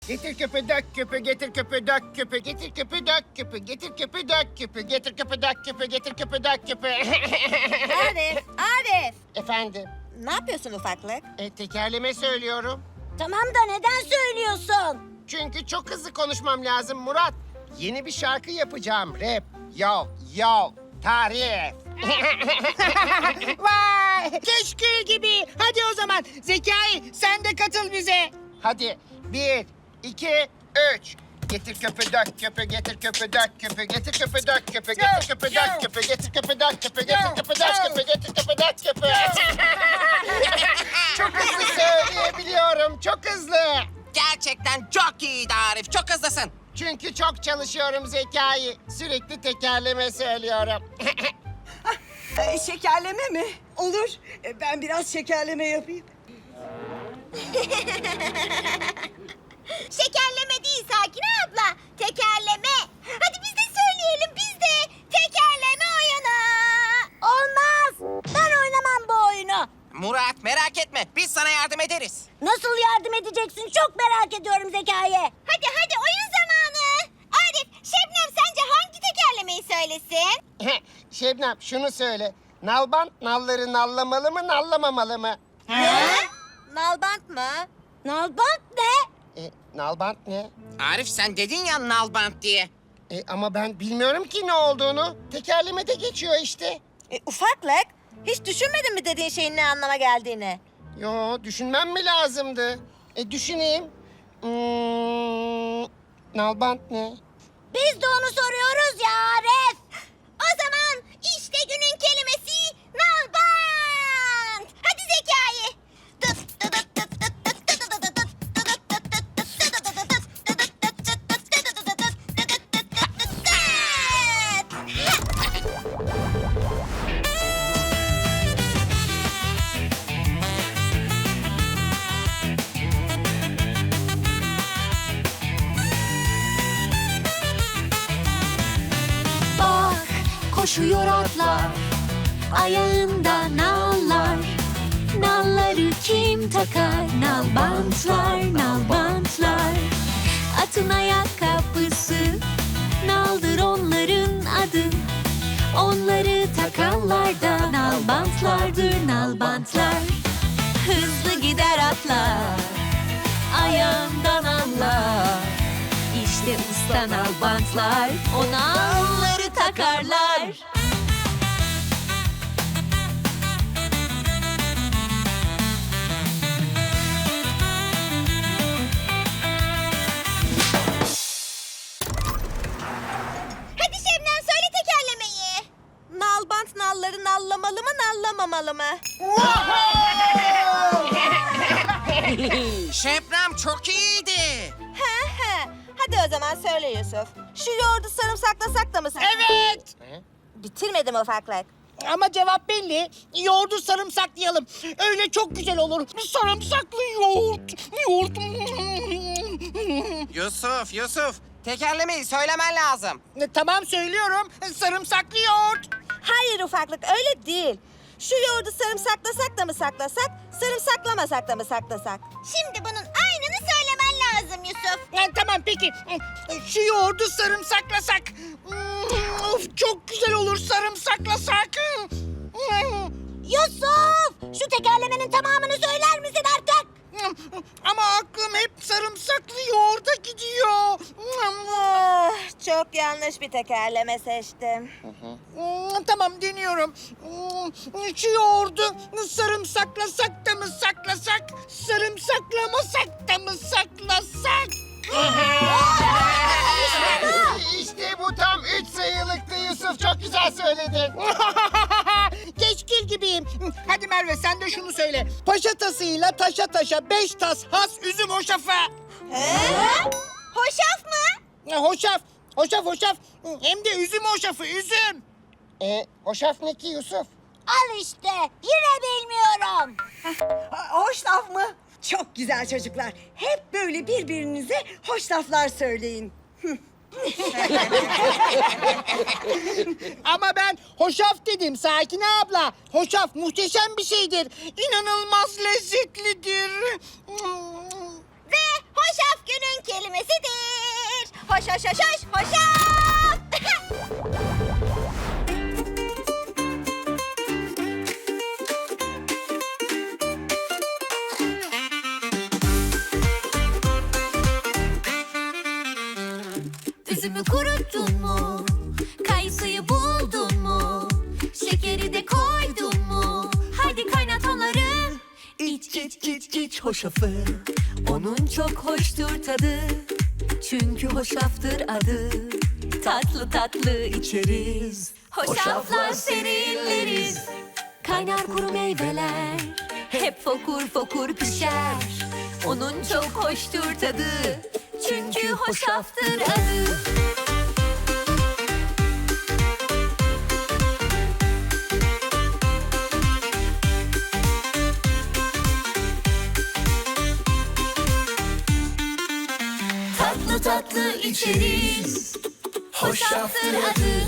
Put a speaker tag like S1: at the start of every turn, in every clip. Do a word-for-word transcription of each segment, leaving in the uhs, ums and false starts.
S1: Getir küpü dök küpü, getir küpü dök küpü, getir küpü dök küpü, getir küpü dök küpü, getir küpü dök küpü, getir küpü dök küpü.
S2: Arif, Arif.
S1: Efendim,
S2: Ne yapıyorsun ufaklık?
S1: e, tekerleme söylüyorum.
S2: Tamam da neden söylüyorsun?
S1: Çünkü çok hızlı konuşmam lazım Murat. Yeni bir şarkı yapacağım, rap. Yo, yo, tarif.
S3: Vay! Keşkül gibi. Hadi o zaman Zekai sen de katıl bize.
S1: Hadi, bir, iki, üç. Getir köpü dök köpü, getir köpü dök köpü, getir köpü dök köpü, getir köpü dök köpü, getir köpü dök köpü, getir köpü dök köpü, getir köpü dök köpü. Çok hızlı söyleyebiliyorum, çok hızlı.
S4: Gerçekten çok iyiydi Arif. Çok hızlısın.
S1: Çünkü çok çalışıyorum Zekai. Sürekli tekerleme söylüyorum.
S5: Ee, şekerleme mi? Olur. Ee, ben biraz şekerleme yapayım.
S2: Şekerleme değil Sakine abla. Tekerleme. Hadi biz de söyleyelim biz de. Tekerleme oyunu. Olmaz. Ben oynamam bu oyunu.
S4: Murat merak etme. Biz sana yardım ederiz.
S2: Nasıl yardım edeceksin? Çok merak ediyorum Zekai. Hadi hadi oyun zamanı. Arif, Şebnem sence hangi tekerlemeyi söylesin?
S1: Şebnem şunu söyle. Nalbant nalları nallamalı mı nallamamalı mı?
S2: Nalbant mı? Nalbant ne?
S1: E, nalbant ne?
S4: Arif sen dedin ya nalbant diye.
S1: E, ama ben bilmiyorum ki ne olduğunu. Tekerlemede geçiyor işte.
S2: E, ufaklık. Hiç düşünmedin mi dediğin şeyin ne anlama geldiğini?
S1: Yo, düşünmem mi lazımdı? E, düşüneyim. Hmm, nalbant ne?
S2: Biz de onu soruyoruz ya Arif. O zaman işte günün kelimesi nalbant. Hadi Zekai.
S6: Bak koşuyor atlar, ayağında nallar. Nalları kim takar? Nalbantlar, nalbantlar. Atın ayakkabısı, naldır onların adı. Onları takanlar da nalbantlardır, nalbantlar. Hızlı gider atlar, ayağından anlar. İşte usta nalbantlar, o nalları takarlar.
S2: Hadi Şebnem söyle tekerlemeyi. Nalbant nalları nallamalı mı nallamamalı mı?
S4: Şebnem çok iyiydi.
S2: He he. Hadi o zaman söyle Yusuf. Şu yoğurdu sarımsaklasak da mı?
S3: Evet.
S2: Bitirmedim ufaklık.
S3: Ama cevap belli. Yoğurdu sarımsaklayalım. Öyle çok güzel olur. Sarımsaklı yoğurt. Yoğurt.
S4: Yusuf, Yusuf. Tekerlemeyi söylemen lazım.
S3: E, tamam söylüyorum. Sarımsaklı yoğurt.
S2: Hayır ufaklık öyle değil. Şu yoğurdu sarımsaklasak da mı saklasak, sarımsaklamasak da mı saklasak? Şimdi bunun aynını söylemen lazım Yusuf.
S3: E, tamam peki. Şu yoğurdu sarımsaklasak. Hmm, Of çok güzel olur sarımsaklasak.
S2: Yusuf! Şu tekerlemenin tamamını söyler misin artık?
S3: Ama aklım hep sarımsaklı yoğurda gidiyor.
S2: Ah, çok yanlış bir tekerleme seçtim.
S3: Hmm, Tamam deniyorum. Hmm, Şu yoğurdu sarımsaklasak da mı saklasak, sarımsaklamasak da mı saklasak?
S1: İşte bu tam üç sayılıktı Yusuf. Çok güzel söyledin.
S3: Keşkil gibiyim. Hadi Merve sen de şunu söyle. Paşa tasıyla taşa taşa beş tas has üzüm hoşafa.
S2: Hoşaf mı?
S3: Ya, Hoşaf, hoşaf, hoşaf. Hem de üzüm hoşafı, üzüm.
S1: E, hoşaf ne ki Yusuf?
S2: Al işte. Yine bilmiyorum.
S5: Hoş laf mı? Çok güzel çocuklar. Hep böyle birbirinize hoş laflar söyleyin.
S3: Ama ben hoşaf dedim Sakine abla. Hoşaf muhteşem bir şeydir. İnanılmaz lezzetlidir.
S2: Ve hoşaf günün kelimesidir. Hoş hoş hoş hoş hoşaf.
S6: Üzümü kuruttun mu? Kayısıyı buldun mu? Şekeri de koydun mu? Hadi kaynat onları. İç iç iç iç hoşafı. Onun çok hoştur tadı. Çünkü hoşaftır adı. Tatlı tatlı içeriz. Hoşaflar serinleriz. Kaynar kuru meyveler. Hep fokur fokur pişer. Onun çok hoştur tadı. Çünkü hoşaftır adı. Tatlı tatlı içeriz. Hoşaftır adı.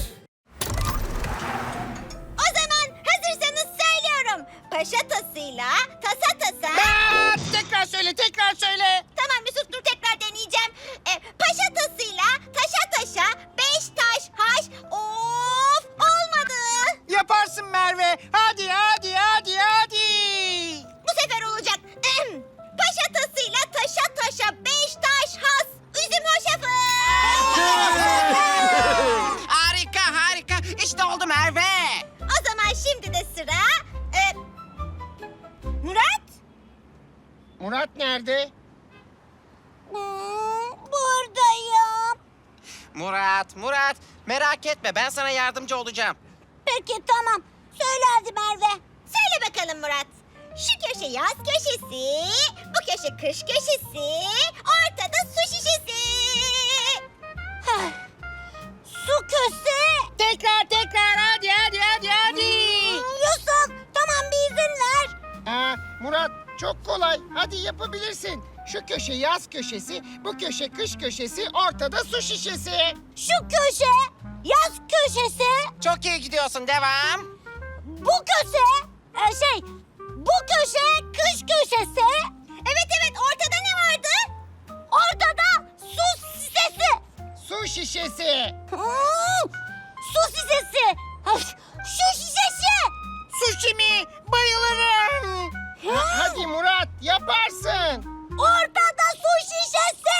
S2: O zaman hazırsanız söylüyorum. Paşa tasıyla tasa tasa.
S3: Aa, tekrar söyle, tekrar söyle.
S2: Tamam Yusuf dur tekrar deneyeceğim. E, paşa tasıyla taşa taşa beş taş haş. Of olmadı.
S3: Yaparsın Merve. Hadi, hadi, hadi, hadi.
S2: Bu sefer olacak. Paşa tasıyla taşa taşa beş taş has. Üzüm hoşafı.
S4: Harika harika. İşte oldu Merve.
S2: O zaman şimdi de sıra... E, Murat?
S1: Murat nerede?
S2: Hmm, buradayım.
S4: Murat Murat merak etme ben sana yardımcı olacağım.
S2: Peki tamam. Söyle hadi Merve. Söyle bakalım Murat. Şu köşe yaz köşesi, bu köşe kış köşesi, ortada su şişesi. Heh. Su köşesi.
S3: Tekrar, tekrar. Hadi, hadi, hadi, hadi.
S2: Hmm, Yusuf tamam bir izin ver.
S1: Aa, Murat çok kolay. Hadi yapabilirsin. Şu köşe yaz köşesi, bu köşe kış köşesi, ortada su şişesi.
S2: Şu köşe yaz köşesi,
S4: Çok iyi gidiyorsun devam.
S2: bu köşe e, şey bu köşe kış köşesi. Evet evet ortada ne vardı? Ortada su şişesi.
S1: Su şişesi.
S2: Hmm, su şişesi. Ay, şu şişesi.
S3: Sushi mi? Bayılırım.
S1: Ha- hadi Murat yaparsın.
S2: Ortada su şişesi.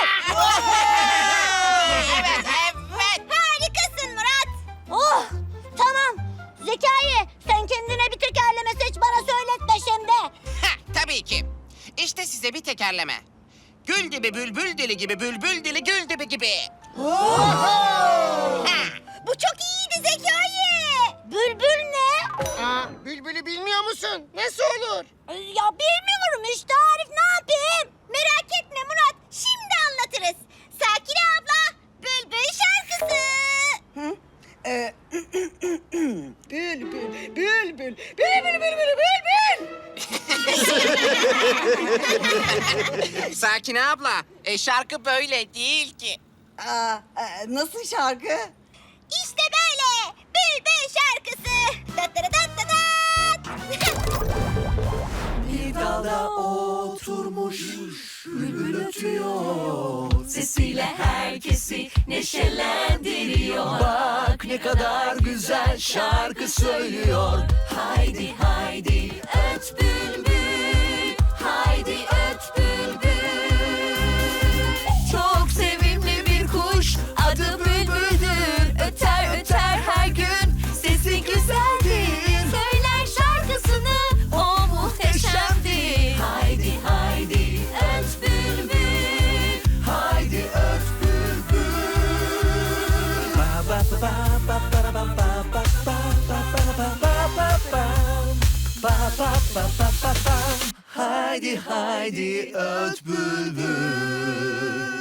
S4: Evet evet.
S2: Harikasın Murat. Oh tamam. Zekai sen kendine bir tekerleme seç bana söyletme şimdi.
S4: Heh, tabii ki. İşte size bir tekerleme. Gül gibi bülbül dili gibi bülbül dili gül dibi gibi.
S2: Bu çok iyiydi Zekai. Bülbül ne?
S1: Aa, bülbülü bilmiyor musun? Nasıl olur?
S2: Ya bilmiyorum işte Arif ne yapayım? Merak etme Murat şimdi anlatırız. Sakine abla Bülbül şarkısı.
S5: Hı? Ee, bülbül, bülbül, bülbül, bülbül, bülbül.
S4: Sakine abla, e, şarkı böyle değil ki.
S5: Aa, e, nasıl şarkı?
S2: İşte böyle Bülbül şarkısı. Dat dat dat dat dat.
S7: Bir dalda oturmuş bülbül ötüyor. Sesiyle herkesi neşelendiriyor. Bak ne kadar güzel şarkı söylüyor. Haydi haydi öt bülbül, haydi öt bülbül. Çok sevimli bir kuş, adı bülbüldür. Öter öter her gün, sesi güzeldir. Söyler şarkısını, o muhteşemdir. Haydi haydi öt bülbül, haydi öt bülbül. Ba ba ba ba ba ba ba ba ba ba ba ba ba ba ba. Ba ba ba ba ba ba. Haydi haydi öt bülbül.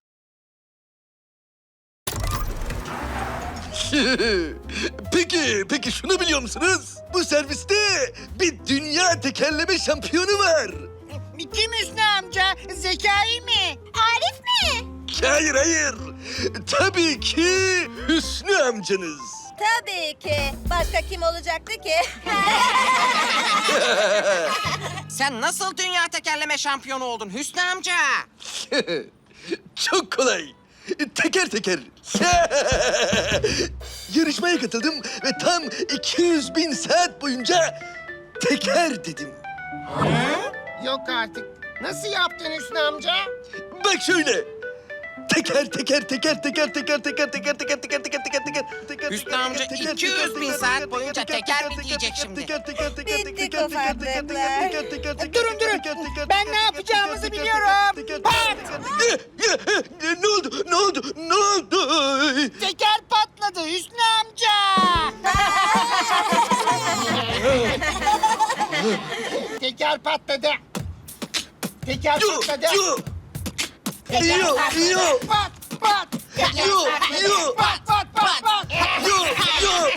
S8: Peki, peki şunu biliyor musunuz? Bu serviste bir dünya tekerleme şampiyonu var.
S3: Kim Hüsnü amca? Zekai mi?
S2: Arif mi?
S8: Hayır, hayır. Tabii ki Hüsnü amcanız.
S2: Tabii ki. Başka kim olacaktı ki?
S4: Sen nasıl dünya tekerleme şampiyonu oldun Hüsnü amca?
S8: Çok kolay. Teker teker. Yarışmaya katıldım ve tam iki yüz bin saat boyunca teker dedim.
S1: Yok artık. Nasıl yaptın Hüsnü amca?
S8: Bak şöyle. Teker teker teker teker teker teker teker teker teker teker teker teker teker
S4: Hüsnü amca iki yüz bin saat boyunca teker mi diyecek şimdi?
S5: Bittik ufaklıklar.
S3: Durun durun. Ben ne yapacağımızı biliyorum. Pat!
S8: Ne oldu? Ne oldu? Ne oldu?
S3: Teker patladı Hüsnü amca.
S1: Teker patladı. Teker
S8: Yo,
S1: patladı.
S8: yo. Yo, yo.
S3: Pat pat.
S8: Yo, yo.
S3: Pat pat pat pat.
S8: Yo, yo.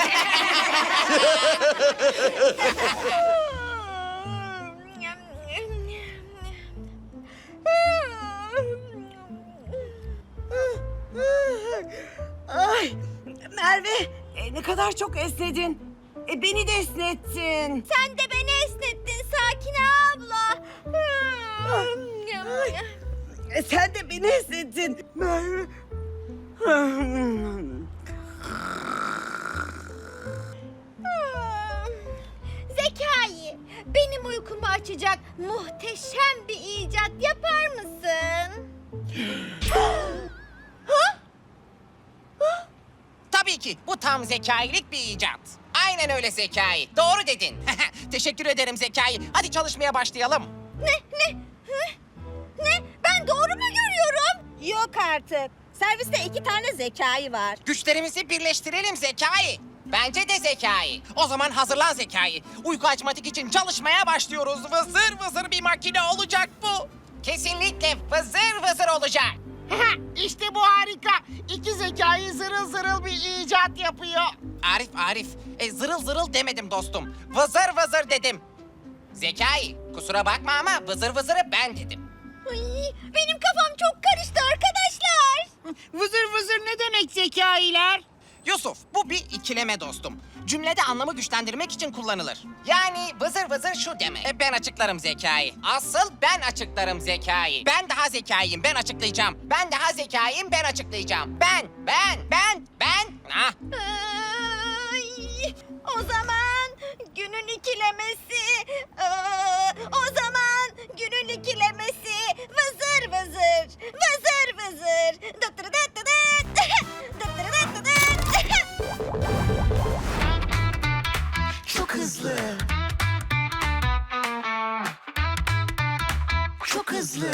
S5: Ay Merve e, ne kadar çok esnedin. E, beni de esnettin.
S2: Sen de beni esnettin Sakine abla.
S5: E, sen de beni esnettin. Merve.
S2: Zekai, benim uykumu açacak muhteşem bir icat yapar mısın?
S4: Tabii ki bu tam zekailik bir icat. Aynen öyle Zekai. Doğru dedin. Teşekkür ederim Zekai. Hadi çalışmaya başlayalım.
S2: Ne, ne, hı? Ne? Ben doğru mu görüyorum? Yok artık. Serviste iki tane Zekai var.
S4: Güçlerimizi birleştirelim Zekai. Bence de Zekai. O zaman hazırlan Zekai. Uyku açmatik için çalışmaya başlıyoruz. Vızır vızır bir makine olacak bu. Kesinlikle vızır vızır olacak.
S1: İşte bu harika. İki zekayı zırıl zırıl bir icat yapıyor.
S4: Arif Arif, e, zırıl zırıl demedim dostum. Vızır vızır dedim. Zekai, kusura bakma ama vızır vızırı ben dedim.
S2: Ay, benim kafam çok karıştı arkadaşlar.
S3: Vızır vızır ne demek zekailer?
S4: Yusuf, bu bir ikileme dostum. Cümlede anlamı güçlendirmek için kullanılır. Yani vızır vızır şu demek. E, ben açıklarım Zekai. Asıl ben açıklarım Zekai. Ben daha zekayım, ben açıklayacağım. Ben daha zekayım, ben açıklayacağım. Ben, ben, ben, ben. Ah.
S2: Ay, o zaman günün ikilemesi. Aa, o zaman günün ikilemesi. Vızır vızır. Vızır vızır. Dıtırı dıtı dıt. Dıtırı dıtı dıt.
S7: Çok hızlı. Çok hızlı.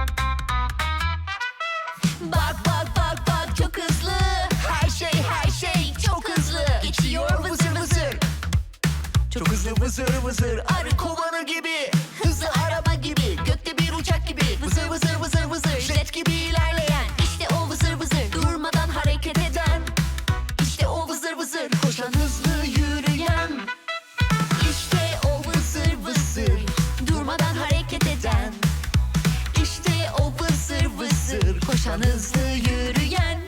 S7: Bak bak bak bak çok hızlı. Her şey her şey çok hızlı. Geçiyor vızır vızır. Çok hızlı vızır vızır. Arı kovanı gibi. Hızlı araba gibi. Gökte bir uçak gibi. Vızır vızır vızır vızır. Jet gibi ilerleyen. İşte o vızır vızır. Durmadan hareket eden. İşte o vızır vızır. Koşan hızlı yürüyen. İşte o vızır vızır. Durmadan hareket eden. İşte o vızır vızır. Koşan hızlı yürüyen.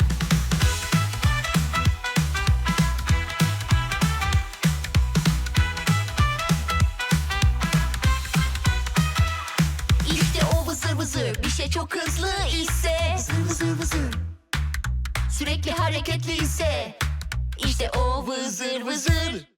S7: İşte o vızır vızır. Bir şey çok hızlı ise. Vızır vızır vızır. Sürekli hareketli ise. İşte o vızır vızır.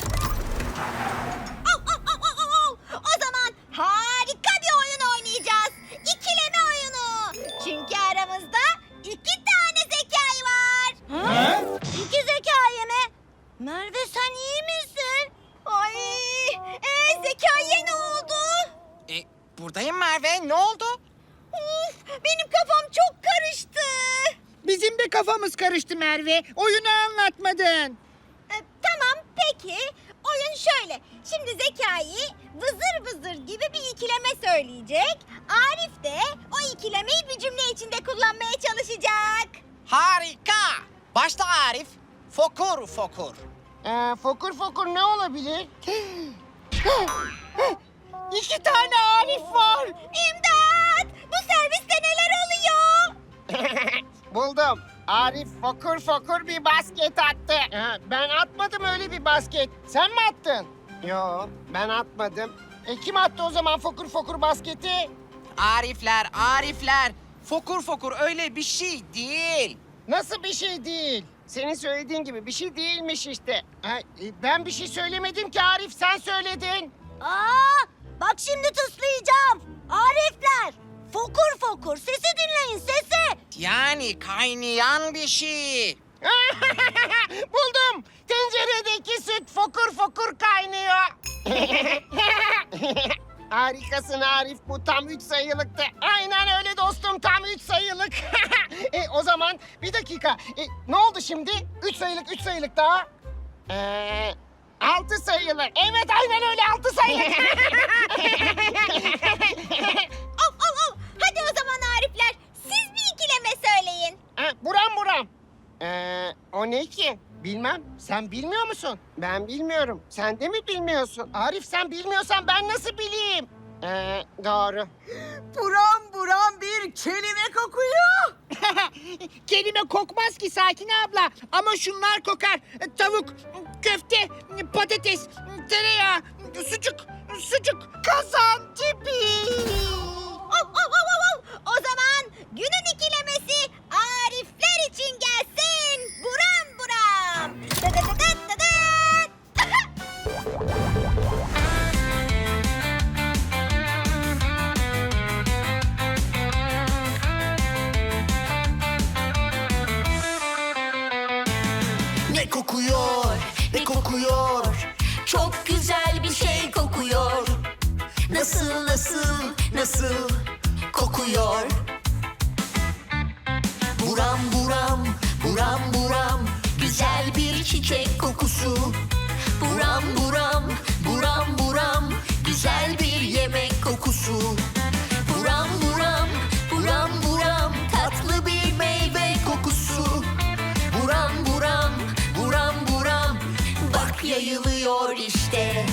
S2: Au, au, au, au, au. O zaman harika bir oyun oynayacağız. İkileme oyunu. Çünkü aramızda iki tane zekai var. İki zekai mi? Merve sen iyi misin? Ay, e, zekaiye ne oldu?
S4: E, buradayım Merve, ne oldu?
S2: Uf, benim kafam çok karıştı.
S3: Bizim de kafamız karıştı Merve. Oyunu anlatmadın.
S2: E, tamam peki. Oyun şöyle. Şimdi Zekai vızır vızır gibi bir ikileme söyleyecek. Arif de o ikilemeyi bir cümle içinde kullanmaya çalışacak.
S4: Harika. Başla Arif. Fokur fokur.
S1: Ee, fokur fokur ne olabilir?
S3: İki tane Arif var.
S2: İmdat! Bu serviste neler oluyor?
S1: Buldum. Arif fokur fokur bir basket attı. Ha, ben atmadım öyle bir basket. Sen mi attın? Yo, ben atmadım. E, kim attı o zaman fokur fokur basketi?
S4: Arifler, Arifler. Fokur fokur öyle bir şey değil.
S1: Nasıl bir şey değil? Senin söylediğin gibi bir şey değilmiş işte. Ha, e, ben bir şey söylemedim ki Arif, sen söyledin.
S2: Aa, bak şimdi tıslayacağım. Arifler, fokur fokur sesi dinleyin sesi.
S4: Yani kaynayan bir şey.
S1: Buldum. Tenceredeki süt fokur fokur kaynıyor. Harikasın Arif, bu tam üç sayılıktı. Aynen öyle dostum, tam üç sayılık. e, o zaman bir dakika. E, ne oldu şimdi? Üç sayılık, üç sayılık daha. Ee, altı sayılık. Evet aynen öyle, altı sayılık.
S2: Of of of. Hadi o zaman Arifler, siz bir ikileme söyleyin.
S1: Ha, buram buram. Ee, o ne ki? Bilmem. Sen bilmiyor musun? Ben bilmiyorum. Sen de mi bilmiyorsun? Arif, sen bilmiyorsan ben nasıl bileyim? Ee, doğru.
S5: Buram buram bir kelime kokuyor.
S3: Kelime kokmaz ki Sakin abla. Ama şunlar kokar. Tavuk, köfte, patates, tereyağı, sucuk, sucuk, kazan tipi.
S2: Of of of of, of. O zaman günün ikilemesi Arifler için gelsin. Buram buram. Dı dı dı dı dı dı.
S7: Ne kokuyor, ne kokuyor?
S6: Çok güzel bir şey kokuyor.
S7: Nasıl, nasıl, nasıl kokuyor? Buram buram, buram buram, güzel bir çiçek kokusu. Buram buram, buram buram, güzel bir yemek kokusu. Buram buram, buram buram, tatlı bir meyve kokusu. Buram buram, buram buram, bak yayılıyor işte.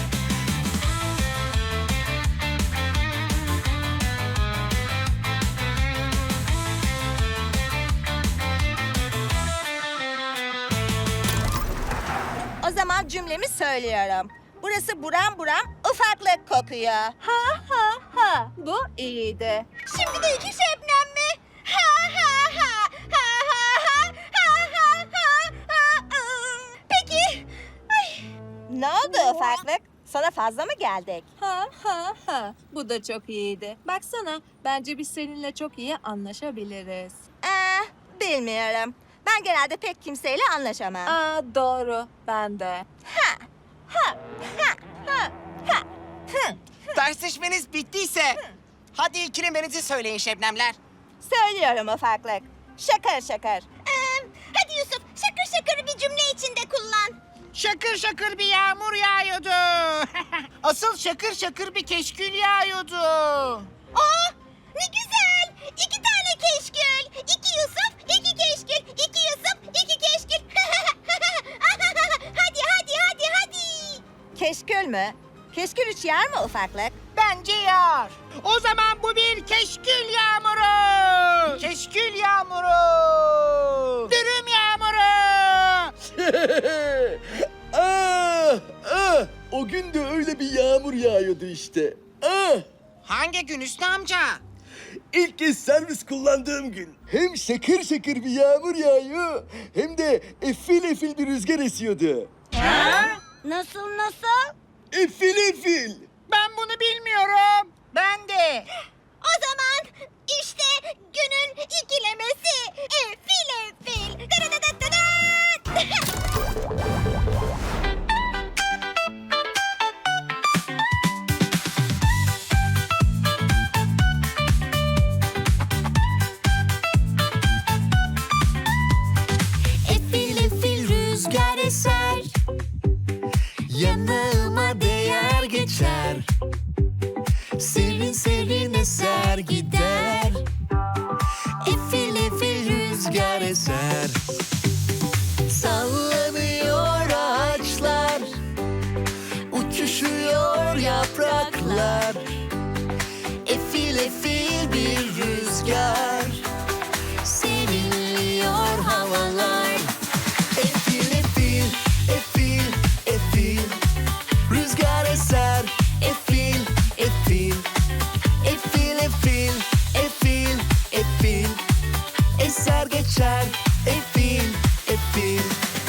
S2: O zaman cümlemi söylüyorum. Burası buram buram ufaklık kokuyor. Ha ha ha. Bu iyiydi. Şimdi de iki şebnem mi? Ha ha ha. Ha ha ha. Ha ha ha. Ha, ım. Peki. Ay. Ne oldu ufaklık? Sana fazla mı geldik?
S9: Ha ha ha. Bu da çok iyiydi. Baksana, bence biz seninle çok iyi anlaşabiliriz.
S2: Ee, bilmiyorum. Ben genelde pek kimseyle anlaşamam.
S9: Aa, doğru. Ben de.
S2: Ha ha ha ha ha. Hı.
S4: Tartışmanız bittiyse hadi ikilemenizi söyleyin Şebnemler.
S2: Söylüyorum ufaklık. Şakır şakır. Ee, hadi Yusuf, şakır şakır bir cümle içinde kullan.
S3: Şakır şakır bir yağmur yağıyordu. Asıl şakır şakır bir keşkül yağıyordu.
S2: Aa, ne güzel. İki tane keşkül. İki Yusuf, iki keşkül. İki Yusuf, iki keşkül. hadi hadi hadi hadi. Keşkül mü? Keşkül üç yer mi ufaklık?
S3: Bence yağar. O zaman bu bir keşkül yağmuru. Keşkül yağmuru. Dürüm yağmuru.
S8: ah, ah, o gün de öyle bir yağmur yağıyordu işte. Ah,
S4: Hangi gün Hüsnü amca?
S8: ilk kez servis kullandığım gün. Hem şakır şakır bir yağmur yağıyor hem de efil efil bir rüzgar esiyordu.
S2: Nasıl nasıl?
S8: Efil efil.
S3: Ben bunu bilmiyorum. Ben de.
S2: O zaman işte günün ikilemesi. Efil efil.
S6: Efil efil rüzgar eser.
S7: Yanağıma değer geçer, serin serin eser gider. Efil efil rüzgar eser, sallanıyor ağaçlar, uçuşuyor yapraklar. Efil efil bir rüzgar, serinliyor havalar. Efil efil, efil, efil, rüzgar eser, efil, eser geçer. Efil, efil.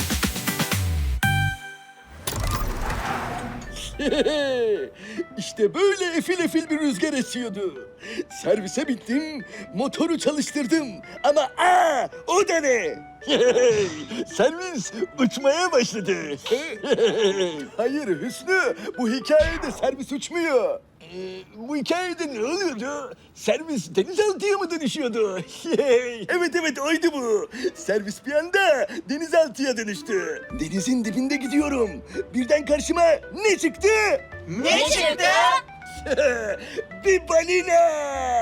S8: İşte böyle efil efil bir rüzgar esiyordu. Servise bittim, motoru çalıştırdım. Ama aa, o da ne? Servis uçmaya başladı. Hayır Hüsnü, bu hikayede servis uçmuyor. Ee, bu hikayede ne oluyordu? Servis denizaltıya mı dönüşüyordu? Evet evet oydu bu. Servis bir anda denizaltıya dönüştü. Denizin dibinde gidiyorum. Birden karşıma ne çıktı?
S4: Ne çıktı?
S8: Bir balina.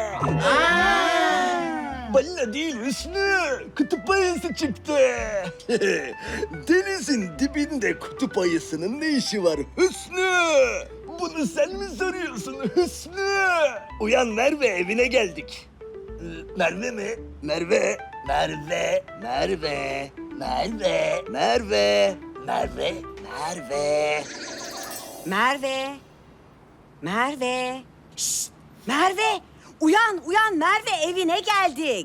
S8: Balina değil Hüsnü. Kutup ayısı çıktı. Denizin dibinde kutup ayısının ne işi var Hüsnü? Bunu sen mi soruyorsun Hüsnü? Uyan Merve, evine geldik. Ee, Merve mi? Merve, Merve, Merve, Merve, Merve, Merve, Merve.
S5: Merve. Merve. Şşt, Merve. Uyan, uyan Merve, evine geldik.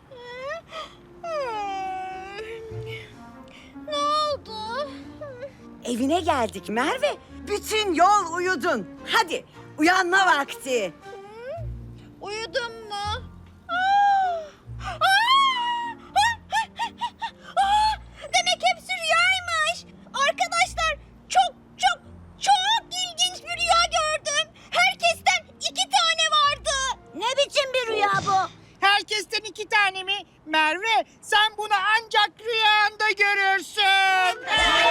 S2: Ne oldu?
S5: Evine geldik Merve. Bütün yol uyudun. Hadi uyanma vakti.
S2: Uyudum mu? Aa! Aa! Aa! Demek hepsi rüyaymış. Arkadaşlar çok çok çok ilginç bir rüya gördüm. Herkesten iki tane vardı. Ne biçim bir rüya bu?
S3: Herkesten iki tane mi? Merve, sen bunu ancak rüyanda görürsün.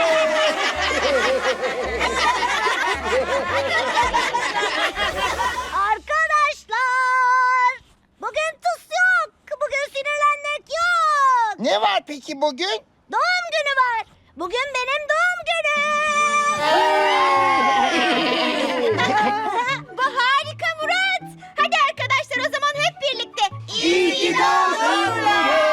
S2: Arkadaşlar bugün tıs yok. Bugün sinirlenmek yok.
S1: Ne var peki bugün?
S2: Doğum günü var. Bugün benim doğum günüm. Bu harika Murat. Hadi arkadaşlar o zaman hep birlikte. İyi ki doğdun Murat.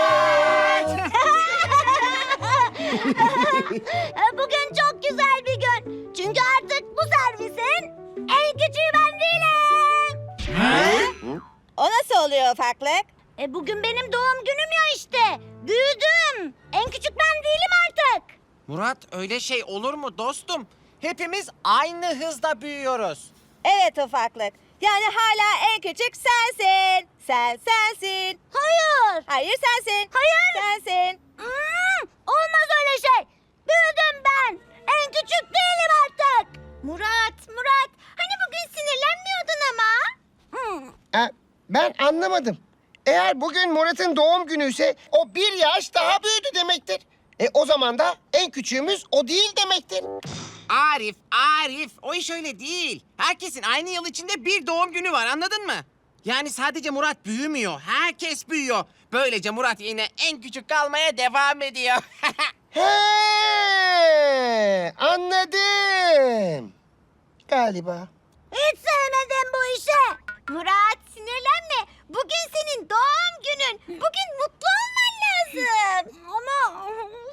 S2: Bugün çok güzel bir gün. Çünkü artık bu servisin en küçüğü ben değilim.
S9: O nasıl oluyor ufaklık?
S2: E bugün benim doğum günüm ya işte. Büyüdüm. En küçük ben değilim artık.
S4: Murat öyle şey olur mu dostum? Hepimiz aynı hızda büyüyoruz.
S9: Evet ufaklık. Yani hala en küçük sensin. Sen sensin.
S2: Hayır.
S9: Hayır sensin.
S2: Hayır.
S9: Sensin.
S2: Hmm, olmaz öyle şey. Büyüdüm ben. En küçük değilim artık. Murat, Murat. Hani bugün sinirlenmiyordun ama. Hmm.
S1: Ha, ben anlamadım. Eğer bugün Murat'ın doğum günü ise o bir yaş daha büyüdü demektir. E o zaman da en küçüğümüz o değil demektir.
S4: Arif, Arif o iş öyle değil. Herkesin aynı yıl içinde bir doğum günü var anladın mı? Yani sadece Murat büyümüyor, herkes büyüyor. Böylece Murat yine en küçük kalmaya devam ediyor.
S1: He, anladım. Galiba.
S2: Hiç sevmedim bu işi. Murat sinirlenme. Bugün senin doğum günün. Bugün mutlu olman lazım. Ama...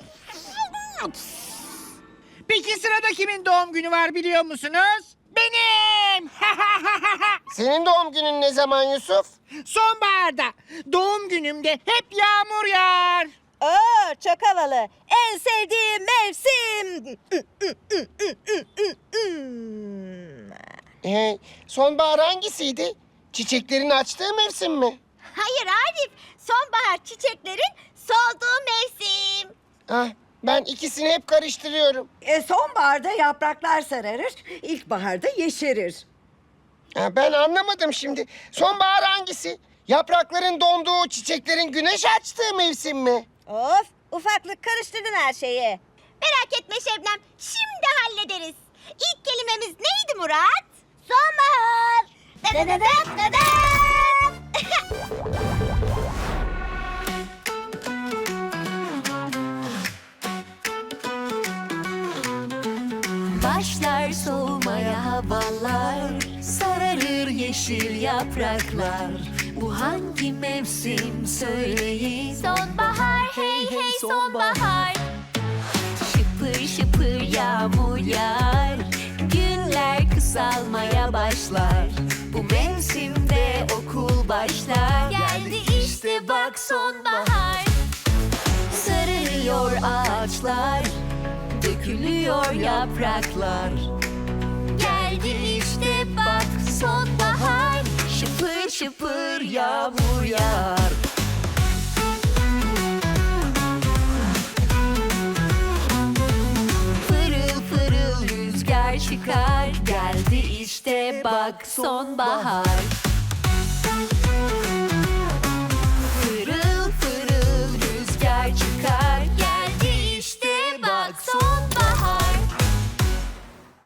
S3: Peki sırada kimin doğum günü var biliyor musunuz? Benim.
S1: Senin doğum günün ne zaman Yusuf?
S3: Sonbaharda. Doğum günümde hep yağmur yağar.
S9: Oo, çok havalı. En sevdiğim mevsim.
S1: Ee, sonbahar hangisiydi? Çiçeklerin açtığı mevsim mi?
S2: Hayır Arif. Sonbahar çiçeklerin solduğu mevsim.
S1: Ah, ben ikisini hep karıştırıyorum.
S5: E, sonbaharda yapraklar sararır, ilkbaharda yeşerir.
S1: Ha, ben anlamadım şimdi. Sonbahar hangisi? Yaprakların donduğu, çiçeklerin güneş açtığı mevsim mi?
S9: Of, ufaklık karıştırdın her şeyi.
S2: Merak etme Şebnem. Şimdi hallederiz. İlk kelimemiz neydi Murat? Sonbahar. Dededem, dedem.
S6: Başlar soğumaya havalar, sararır yeşil yapraklar. Bu hangi mevsim söyleyin? Sonbahar, hey hey sonbahar. Şıpır şıpır yağmur yağar, günler kısalmaya başlar. Bu mevsimde okul başlar. Geldi işte bak sonbahar. Yeşeriyor ağaçlar, dökülüyor yapraklar. Geldi işte bak sonbahar, şıpır şıpır yağmur yağar. Fırıl fırıl rüzgar çıkar, geldi işte bak sonbahar.